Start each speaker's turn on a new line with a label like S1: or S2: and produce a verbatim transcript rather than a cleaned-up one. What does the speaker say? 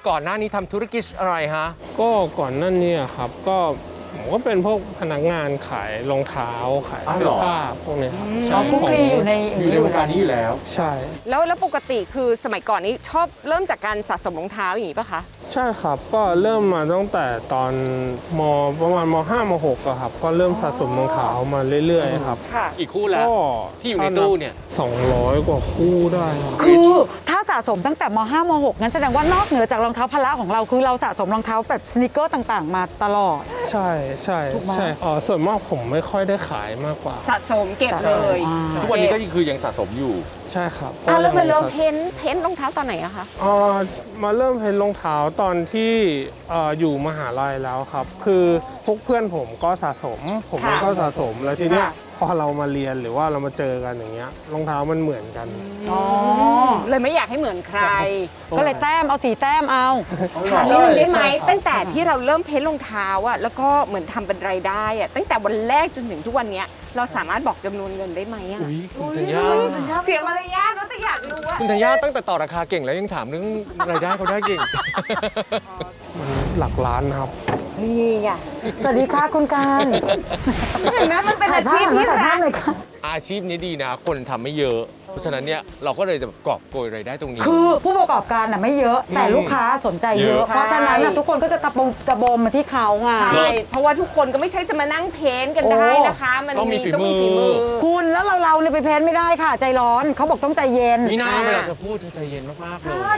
S1: ก่อนหน้านี้ทำธุรกิจอะไรฮะ
S2: ก็ก่อนหนั่นเนี่ยครับก็ผมก็เป็นพวกพนักงานขายรองเท้าขายเสื้อผ้าพวกนี้ครับ
S3: อ๋อคุกคลีอยู่ใน
S4: อยู่ในวงการนี้อยู่แล้ว
S2: ใช่
S5: แล้วแล้วปกติคือสมัยก่อนนี้ชอบเริ่มจากการสะสมรองเท้าอย่างนี้ป่ะคะ
S2: ใช่ครับก็เริ่มมาตั้งแต่ตอนมประมาณมห้ามหกอะครับก็เริ่มสะสมรองเท้ามาเรื่อยๆครับ
S5: ค่ะ
S1: อีกคู่แล้ว
S2: ก็
S1: ที่อยู่ในตู้เนี่ย
S2: สองร้อยกว่าคู่ได้ครับ
S3: คือถ้าสะสมตั้งแต่มห้ามหกงั้นแสดงว่านอกเหนือจากรองเท้าพละของเราคือเราสะสมรองเท้าแบบสนิเกอร์ต่างๆ มาตลอด
S2: ใช่ใช่
S3: ถูกไหม
S2: ใช่อ๋อส่วนมากผมไม่ค่อยได้ขายมากกว่า
S5: สะสมเก็บเลย
S3: อ่า
S1: ทุกวันนี้ก็คือยังสะสมอยู่
S2: ใช่ครับ
S5: อ่ะแล้วมาเริ่ม
S2: ก็ยัง
S5: เพ้นท์เพ้นท์รองเท้าตอนไหนอะคะ
S2: เอ่อมาเริ่มเพ้นรองเท้าตอนที่เอ่ออยู่มหาลัยแล้วครับ คือพวกเพื่อนผมก็สะสม ผมเองก็สะสมแล้วทีเนี้ย
S5: ค่ะ
S2: พอเรามาเรียนหรือว่าเรามาเจอกันอย่างเงี้ยรองเท้ามันเหมือนกัน
S3: อ๋อ
S5: เลยไม่อยากให้เหมือนใคร
S3: ก็เลยแต้มเอาสีแต้มเอา
S5: ถามนิดนึงได้ไหมตั้งแต่ที่เราเริ่มเพ้นท์รองเท้าอะแล้วก็เหมือนทำเป็นรายได้อะตั้งแต่วันแรกจนถึงทุกวันเนี้ยเราสามารถบอกจำนวนเงินได้ไหมอะ
S1: อุ้ยคุณธัญญา
S5: เสียมารยาทแล้วแต่อยากรู้ว่า
S1: คุณธัญญาตั้งแต่ต่อราคาเก่งแล้วยังถามเรื่องรายได้เขาได้เก่ง
S2: มันหลักล้านครับ
S5: นี่ไง
S3: สวัสดีค่ะคุณการ
S5: เห็นไหมมันเป็นอาชีพที่
S3: ถ่ายภา
S5: รั
S3: พ
S5: ก
S3: เลยค่ะ
S1: อาชีพนี้ดีนะ คนทำไม่เยอะ เพราะฉะนั้นเนี่ยเราก็เลยจะกอบโกยรายได้ตรงนี้
S3: คือผู้ประกอบการน่ะไม่เยอะ แต่ลูกค้าสนใจเย
S1: เย
S3: อะ
S1: อะ
S3: เพราะฉะนั้นน่ะทุกคนก็จะตะบงตะบมมาที่เขาไง
S5: ใช่เพราะว่าทุกคนก็ไม่ใช่จะมานั่งเพ้นท์กันได้นะคะ มัน
S1: ต้องมีฝีมือ
S5: ฝีมือ
S3: คุณแล้วเราเราเนี่ยไปเพ้นไม่ได้ค่ะ ใจร้อนเขาบอกต้องใจเย็น
S1: นี่น่าเวลาจะพูดเธอใจเย็นมากๆเลย